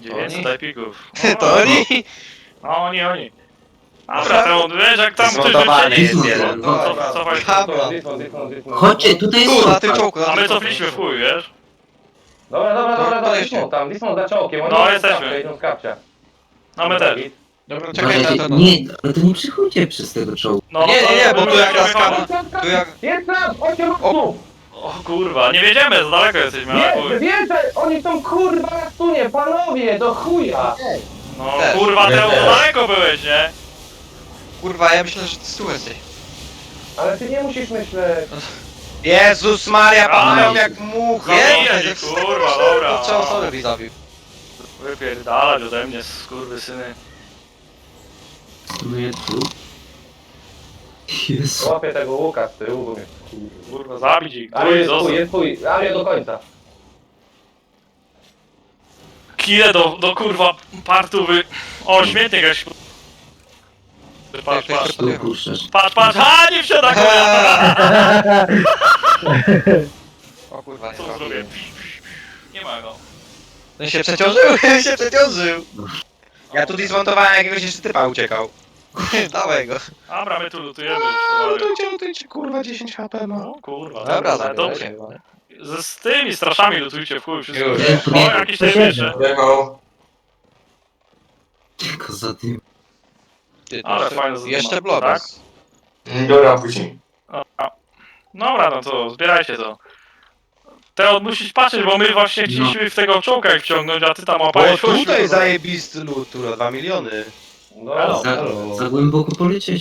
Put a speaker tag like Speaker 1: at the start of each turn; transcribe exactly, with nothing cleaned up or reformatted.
Speaker 1: dziewięćset epików.
Speaker 2: To oni?
Speaker 1: No oni, oni. Dobra, to wiesz jak tam ktoś
Speaker 3: Zmontowany
Speaker 1: wycieli.
Speaker 3: jest jeden.
Speaker 1: No, cof- cofaj.
Speaker 2: Kabla.
Speaker 4: Chodźcie, tutaj jest
Speaker 2: Tu, na tym
Speaker 4: czołg.
Speaker 2: czołgu. na
Speaker 1: A my
Speaker 2: tym
Speaker 1: cofliśmy w
Speaker 2: czołgu.
Speaker 1: chuj, wiesz?
Speaker 5: Dobra, dobra, dobra, dobra,
Speaker 2: Podejdźcie.
Speaker 5: dismount tam, dismount za czołkiem, oni
Speaker 1: No,
Speaker 5: idą z
Speaker 1: jesteśmy.
Speaker 5: kapcia, idą z kapcia.
Speaker 1: No my też.
Speaker 2: Dobra, czekaj na
Speaker 4: Uważajcie,
Speaker 2: to.
Speaker 4: nie, ale to nie przychodźcie przez tego czołgu.
Speaker 1: No,
Speaker 2: Nie, nie, nie, bo tu jak
Speaker 1: jak
Speaker 2: nas Tu jak...
Speaker 5: Jest tam, osiem osób!
Speaker 1: O kurwa, nie wiedziemy, za daleko jesteśmy, ale
Speaker 5: Nie,
Speaker 1: chuj.
Speaker 5: więcej! Oni są kurwa na stunie, panowie, do chuja!
Speaker 1: No
Speaker 2: Też.
Speaker 1: kurwa,
Speaker 3: Ja
Speaker 1: Teo, za
Speaker 3: też.
Speaker 1: daleko byłeś, nie?
Speaker 2: Kurwa, ja myślę, że ty tu jesteś.
Speaker 5: Ale ty nie musisz myśleć.
Speaker 3: Jezus Maria, padają
Speaker 1: Aj.
Speaker 3: jak mucha.
Speaker 1: Nie,
Speaker 2: Nie,
Speaker 1: kurwa, dobra.
Speaker 2: Trzy osoby mi zabił.
Speaker 1: Wypierdalać ode mnie, skurwysyny.
Speaker 4: No ja tu. Jezu.
Speaker 5: Łapię tego łuka z tyłu, bo mnie...
Speaker 1: Kurwa, zabić ich,
Speaker 5: Ale
Speaker 1: tuj,
Speaker 5: jest
Speaker 1: zostaw.
Speaker 5: twój, jest twój, ale do końca.
Speaker 1: Kile do, do kurwa partówy. O, śmietnik jakiś. Patrz, patrz,
Speaker 4: Tu puszczasz.
Speaker 1: patrz, patrz, a nie wsiada konia!
Speaker 2: O kurwa, nie
Speaker 1: Co
Speaker 2: trafiłem.
Speaker 1: zrobię? Nie ma go.
Speaker 2: Ten się przeciążył, ten się przeciążył.
Speaker 3: Ja tu dismontowałem jakiegoś jeszcze typa uciekał.
Speaker 2: Dawaj go.
Speaker 1: Dobra, my tu lutujemy.
Speaker 3: No
Speaker 1: już,
Speaker 3: lutujcie, lutujcie, kurwa, dziesięć HP ma.
Speaker 1: O kurwa,
Speaker 2: Dobra,
Speaker 1: dobra,
Speaker 2: zabierajcie.
Speaker 1: dobrze. Z, z tymi straszami lutujcie w chuj wszystko.
Speaker 3: Już.
Speaker 1: O, jakieś tam jeszcze.
Speaker 3: Wjechał.
Speaker 4: Tylko za tym.
Speaker 2: Ty, to
Speaker 1: Ale
Speaker 2: jeszcze-
Speaker 1: fajne zaduma,
Speaker 2: Jeszcze blobas.
Speaker 1: tak?
Speaker 3: Dobra, później.
Speaker 1: A, dobra, no to zbierajcie to. Teo, musisz patrzeć, bo my właśnie chcieliśmy w tego czołka ich wciągnąć, a ty tam
Speaker 3: Bo
Speaker 1: łapałeś
Speaker 3: tutaj zajebisty loot, kurwa, dwa miliony.
Speaker 5: No,
Speaker 1: Elo.
Speaker 4: Za,
Speaker 5: no.
Speaker 4: za głęboko polecieć.